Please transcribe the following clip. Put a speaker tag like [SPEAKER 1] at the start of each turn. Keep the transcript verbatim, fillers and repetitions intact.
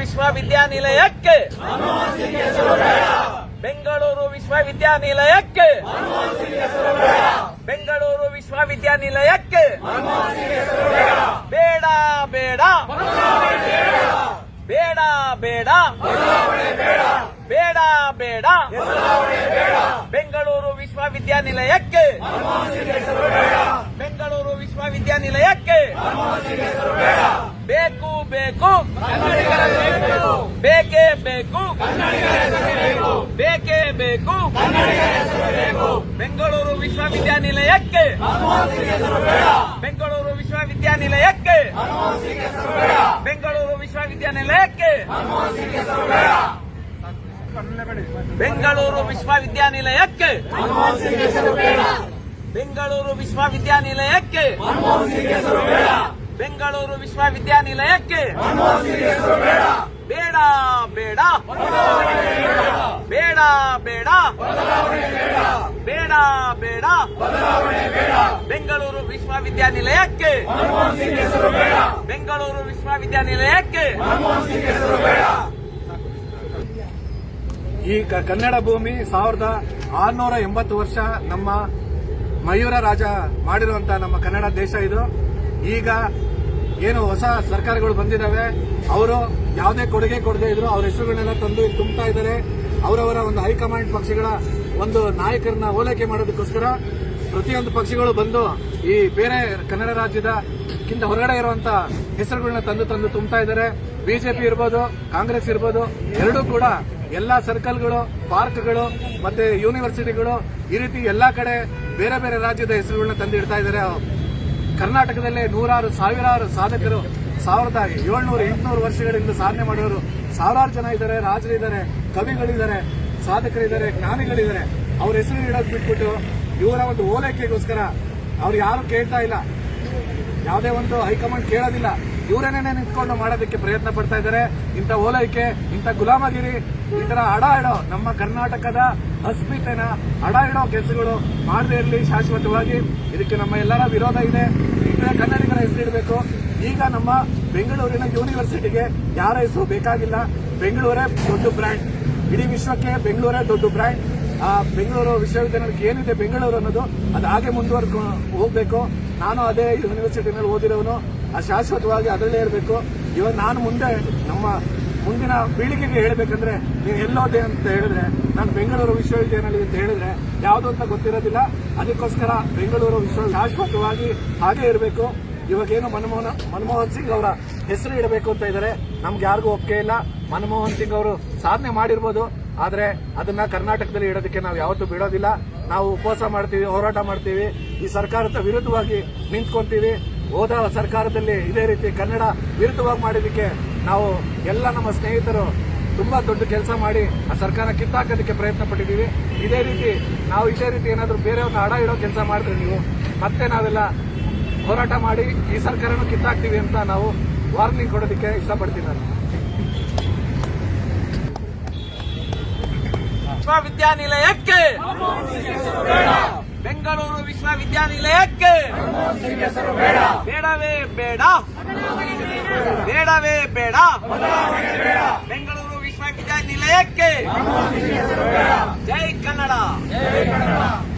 [SPEAKER 1] ವಿಶ್ವವಿದ್ಯಾನಿಲಯಕ್ಕೆ ಬೆಂಗಳೂರು ವಿಶ್ವವಿದ್ಯಾನಿಲಯಕ್ಕೆ ಬೆಂಗಳೂರು ವಿಶ್ವವಿದ್ಯಾನಿಲಯಕ್ಕೆ ಬೇಡ ಬೇಡ ಬೇಡ ಬೇಡ ಬೇಡ ಬೇಡ ಬೆಂಗಳೂರು ವಿಶ್ವವಿದ್ಯಾನಿಲಯಕ್ಕೆ ಬೆಂಗಳೂರು ವಿಶ್ವವಿದ್ಯಾನಿಲಯಕ್ಕೆ ಬೇಕು ಬೇಕು ಬೇಕೇ ಬೇಕು ಬೇಕೇ ಬೇಕು ಬೆಂಗಳೂರು ವಿಶ್ವವಿದ್ಯಾನಿಲಯಕ್ಕೆ ಬೆಂಗಳೂರು ವಿಶ್ವವಿದ್ಯಾನಿಲಯಕ್ಕೆ ಬೆಂಗಳೂರು ವಿಶ್ವವಿದ್ಯಾನಿಲಯಕ್ಕೆ ಬೆಂಗಳೂರು ವಿಶ್ವವಿದ್ಯಾನಿಲಯಕ್ಕೆ ಬೆಂಗಳೂರು ವಿಶ್ವವಿದ್ಯಾನಿಲಯಕ್ಕೆ ಬೆಂಗಳೂರು ವಿಶ್ವವಿದ್ಯಾನಿಲಯಕ್ಕೆ ಬೇಡ ಬೇಡ ಬೇಡ ಬೇಡ ಬೇಡ ಬೇಡ ಬೆಂಗಳೂರು ವಿಶ್ವವಿದ್ಯಾನಿಲಯಕ್ಕೆ ಬೆಂಗಳೂರು ವಿಶ್ವವಿದ್ಯಾನಿಲಯಕ್ಕೆ
[SPEAKER 2] ಈ ಕನ್ನಡ ಭೂಮಿ ಸಾವಿರದ ಆರ್ನೂರ ಎಂಬತ್ತು ವರ್ಷ ನಮ್ಮ ಮಯೂರ ರಾಜ ಮಾಡಿರುವಂತ ನಮ್ಮ ಕನ್ನಡ ದೇಶ ಇದು. ಈಗ ಏನು ಹೊಸ ಸರ್ಕಾರಗಳು ಬಂದಿದ್ದಾವೆ, ಅವರು ಯಾವುದೇ ಕೊಡುಗೆ ಕೊಡದೇ ಇದ್ರು ಅವ್ರ ಹೆಸರುಗಳನ್ನೆಲ್ಲ ತಂದು ಇಲ್ಲಿ ತುಂಬುತ್ತಾ ಇದ್ದಾರೆ. ಅವರವರ ಒಂದು ಹೈಕಮಾಂಡ್ ಪಕ್ಷಗಳ ಒಂದು ನಾಯಕರನ್ನ ಓಲೈಕೆ ಮಾಡೋದಕ್ಕೋಸ್ಕರ ಪ್ರತಿಯೊಂದು ಪಕ್ಷಗಳು ಬಂದು ಈ ಬೇರೆ ಕನ್ನಡ ರಾಜ್ಯದ ಕಿಂತ ಹೊರಗಡೆ ಇರುವಂತ ಹೆಸರುಗಳನ್ನ ತಂದು ತಂದು ತುಂಬುತ್ತಾ ಇದ್ದಾರೆ. ಬಿಜೆಪಿ ಇರ್ಬೋದು, ಕಾಂಗ್ರೆಸ್ ಇರ್ಬೋದು, ಎರಡೂ ಕೂಡ ಎಲ್ಲಾ ಸರ್ಕಲ್ಗಳು, ಪಾರ್ಕ್ಗಳು ಮತ್ತೆ ಯೂನಿವರ್ಸಿಟಿಗಳು ಈ ರೀತಿ ಎಲ್ಲಾ ಕಡೆ ಬೇರೆ ಬೇರೆ ರಾಜ್ಯದ ಹೆಸರುಗಳನ್ನ ತಂದಿಡ್ತಾ ಇದ್ದಾರೆ. ಕರ್ನಾಟಕದಲ್ಲೇ ನೂರಾರು ಸಾವಿರಾರು ಸಾಧಕರು ಸಾವಿರದ ಏಳ್ನೂರು ಎಂಟುನೂರು ವರ್ಷಗಳಿಂದ ಸಾಧನೆ ಮಾಡೋರು ಸಾವಿರಾರು ಜನ ಇದ್ದಾರೆ. ರಾಜರಿದ್ದಾರೆ, ಕವಿಗಳಿದ್ದಾರೆ, ಸಾಧಕರಿದ್ದಾರೆ, ಜ್ಞಾನಿಗಳಿದ್ದಾರೆ. ಅವ್ರ ಹೆಸರು ಇಡೋದು ಬಿಟ್ಬಿಟ್ಟು ಇವರ ಒಂದು ಓಲೈಕೆಗೋಸ್ಕರ ಅವ್ರು ಯಾರು ಕೇಳ್ತಾ ಇಲ್ಲ, ಯಾವುದೇ ಒಂದು ಹೈಕಮಾಂಡ್ ಕೇಳೋದಿಲ್ಲ. ಇವರೇನೇ ನಿಂತ್ಕೊಂಡು ಮಾಡೋದಕ್ಕೆ ಪ್ರಯತ್ನ ಪಡ್ತಾ ಇದ್ದಾರೆ. ಇಂಥ ಓಲೈಕೆ, ಇಂಥ ಗುಲಾಮಗಿರಿ, ಈ ತರ ಅಡ ಇಡೋ ನಮ್ಮ ಕರ್ನಾಟಕದ ಅಸ್ಮಿತೆನ ಅಡ ಇಡೋ ಕೆಲಸಗಳು ಮಾಡದೇ ಇರಲಿ ಶಾಶ್ವತವಾಗಿ. ಇದಕ್ಕೆ ನಮ್ಮ ಎಲ್ಲರ ವಿರೋಧ ಇದೆ. ಇತರ ಕನ್ನಡಿಗರ ಹೆಸರಿಡಬೇಕು. ಈಗ ನಮ್ಮ ಬೆಂಗಳೂರಿನ ಯೂನಿವರ್ಸಿಟಿಗೆ ಯಾರ ಹೆಸರು ಬೇಕಾಗಿಲ್ಲ. ಬೆಂಗಳೂರೇ ದೊಡ್ಡ ಬ್ರ್ಯಾಂಡ್, ಇಡೀ ವಿಶ್ವಕ್ಕೆ ಬೆಂಗಳೂರೇ ದೊಡ್ಡ ಬ್ರ್ಯಾಂಡ್. ಆ ಬೆಂಗಳೂರು ವಿಶ್ವವಿದ್ಯಾನಿಲಯಕ್ಕೆ ಏನಿದೆ ಬೆಂಗಳೂರು ಅನ್ನೋದು ಅದು ಹಾಗೆ ಮುಂದುವರ್ಕೊಂಡು ಹೋಗ್ಬೇಕು. ನಾನು ಅದೇ ಯೂನಿವರ್ಸಿಟಿನಲ್ಲಿ ಓದಿರೋನು, ಆ ಶಾಶ್ವತವಾಗಿ ಅದರಲ್ಲೇ ಇರಬೇಕು. ಇವಾಗ ನಾನು ಮುಂದೆ ನಮ್ಮ ಮುಂದಿನ ಪೀಳಿಗೆಗೆ ಹೇಳಬೇಕಂದ್ರೆ ನೀವು ಎಲ್ಲೋದೆ ಅಂತ ಹೇಳಿದ್ರೆ ನಾನು ಬೆಂಗಳೂರು ವಿಶ್ವವಿದ್ಯಾನಿಲಯ ಅಂತ ಹೇಳಿದ್ರೆ ಯಾವುದು ಅಂತ ಗೊತ್ತಿರೋದಿಲ್ಲ. ಅದಕ್ಕೋಸ್ಕರ ಬೆಂಗಳೂರು ವಿಶ್ವ ಶಾಶ್ವತವಾಗಿ ಹಾಗೆ ಇರಬೇಕು. ಇವಾಗೇನು ಮನಮೋಹನ್ ಮನಮೋಹನ್ ಸಿಂಗ್ ಅವರ ಹೆಸರು ಇಡಬೇಕು ಅಂತ ಇದ್ದಾರೆ. ನಮ್ಗೆ ಯಾರಿಗೂ ಒಪ್ಪಿಗೆ ಇಲ್ಲ. ಮನಮೋಹನ್ ಸಿಂಗ್ ಅವರು ಸಾಧನೆ ಮಾಡಿರ್ಬೋದು, ಆದ್ರೆ ಅದನ್ನ ಕರ್ನಾಟಕದಲ್ಲಿ ಇಡೋದಕ್ಕೆ ನಾವು ಯಾವತ್ತೂ ಬಿಡೋದಿಲ್ಲ. ನಾವು ಉಪವಾಸ ಮಾಡ್ತೀವಿ, ಹೋರಾಟ ಮಾಡ್ತೀವಿ, ಈ ಸರ್ಕಾರದ ವಿರುದ್ಧವಾಗಿ ನಿಂತ್ಕೊಂತೀವಿ. ಹೋದ ಸರ್ಕಾರದಲ್ಲಿ ಇದೇ ರೀತಿ ಕನ್ನಡ ವಿರುದ್ಧವಾಗಿ ಮಾಡೋದಕ್ಕೆ ನಾವು ಎಲ್ಲ ನಮ್ಮ ಸ್ನೇಹಿತರು ತುಂಬಾ ದೊಡ್ಡ ಕೆಲಸ ಮಾಡಿ ಆ ಸರ್ಕಾರ ಕಿತ್ತಾಕೋದಕ್ಕೆ ಪ್ರಯತ್ನ ಪಟ್ಟಿದ್ದೀವಿ. ಇದೇ ರೀತಿ ನಾವು ಇದೇ ರೀತಿ ಏನಾದರೂ ಬೇರೆಯವ್ರನ್ನ ಅಡ ಇಡೋ ಕೆಲಸ ಮಾಡಿದ್ರೆ ನೀವು ಮತ್ತೆ ನಾವೆಲ್ಲ ಹೋರಾಟ ಮಾಡಿ ಈ ಸರ್ಕಾರನೂ ಕಿತ್ತಾಕ್ತೀವಿ ಅಂತ ನಾವು ವಾರ್ನಿಂಗ್ ಕೊಡೋದಕ್ಕೆ ಇಷ್ಟಪಡ್ತೀನಿ. ನಾನು
[SPEAKER 1] ವಿಶ್ವವಿದ್ಯಾನಿಲಯಕ್ಕೆ ಬೆಂಗಳೂರು ವಿಶ್ವವಿದ್ಯಾನಿಲಯಕ್ಕೆ ಬೇಡವೇ ಬೇಡ ಬೇಡವೇ ಬೇಡ ಬೆಂಗಳೂರು ವಿಶ್ವವಿದ್ಯಾನಿಲಯಕ್ಕೆ ಜೈ ಕನ್ನಡ.